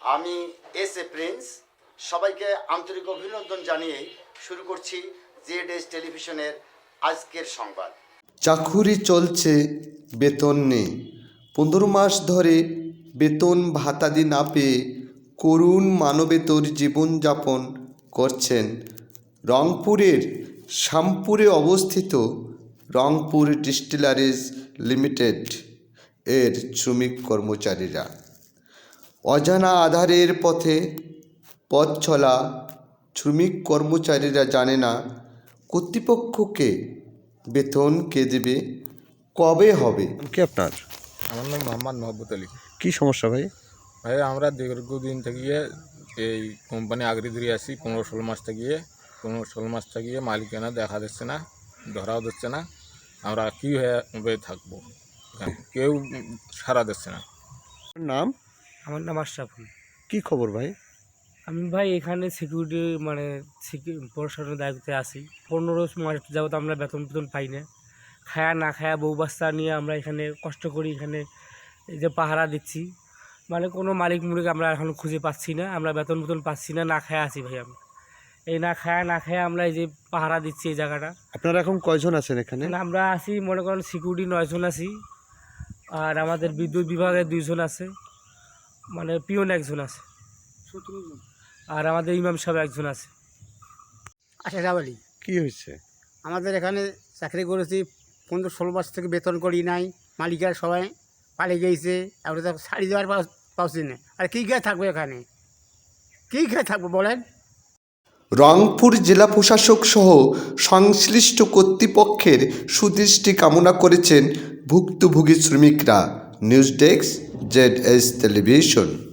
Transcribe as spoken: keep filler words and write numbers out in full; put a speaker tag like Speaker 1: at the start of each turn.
Speaker 1: আমি S A Prince, সবাইকে আন্তরিক অভিনন্দন জানিয়ে শুরু করছি জেড এস টেলিভিশনের আজকের সংবাদ।
Speaker 2: চাকুরি চলছে, বেতন নেই। পনেরো মাস ধরে বেতন ভাতাদি না পেয়ে করুণ মানবেতর জীবনযাপন করছেন রংপুরের শ্যামপুরে অবস্থিত রংপুর ডিস্টিলারিজ লিমিটেড এর শ্রমিক কর্মচারীরা। অজানা আধারের পথে পথ চলা শ্রমিক কর্মচারীরা জানে না কর্তৃপক্ষকে বেতন কে দেবে, কবে হবে।
Speaker 3: কি আপনার?
Speaker 4: আমার নাম মোহাম্মদ মহব্বত আলী।
Speaker 3: কি সমস্যা ভাই?
Speaker 4: ভাই আমরা দীর্ঘদিন থেকে এই কোম্পানি আগড়ি ধরে আসি, পনেরো ষোলো মাস থেকে পনেরো ষোলো মাস থেকে মালিকানা দেখা দিচ্ছে না, ধরাও দিচ্ছে না। আমরা কী হয়ে থাকবো, কেউ সাড়া দিচ্ছে না।
Speaker 3: নাম?
Speaker 5: আমার নাম আশরাফুল।
Speaker 3: কি খবর ভাই?
Speaker 5: আমি ভাই এখানে সিকিউরিটি মানে প্রশাসনের দায়িত্বে আছি। পনেরো মাস যাবত আমরা বেতন বেতন পাই না, খায়া না খায়া বউ বাচ্চা নিয়ে আমরা এখানে কষ্ট করি, এখানে এই যে পাহারা দিচ্ছি, মানে কোনো মালিক মুলিক আমরা এখন খুঁজে পাচ্ছি না, আমরা বেতন বেতন পাচ্ছি না, না খায়া আছি ভাই। আমরা এই না খায়া না খায়া আমরা এই যে পাহারা দিচ্ছি এই জায়গাটা।
Speaker 3: আপনারা এখন কয়জন আছেন এখানে?
Speaker 5: আমরা আছি মনে করেন সিকিউরিটি নয়জন আছি, আর আমাদের বিদ্যুৎ বিভাগে দুইজন আছে, মানে পিওন একজন আছে, আর আমাদের ইমাম সাহেব একজন আছে।
Speaker 6: আশরাফ আলী।
Speaker 3: কি হয়েছে?
Speaker 6: আমাদের এখানে চাকরি করেছি, পনেরো ষোলো মাস থেকে বেতন করি নাই, মালিকের সবাই পালিয়ে গিয়েছে, আমরা তো শাড়ি দেওয়ার পাচ্ছি না। আর কী খেয়ে থাকবো এখানে, কী খেয়ে থাকবো বলেন?
Speaker 2: রংপুর জেলা প্রশাসক সহ সংশ্লিষ্ট কর্তৃপক্ষের সুদৃষ্টি কামনা করেছেন ভুক্তভোগী শ্রমিকরা। News desk, Z S television.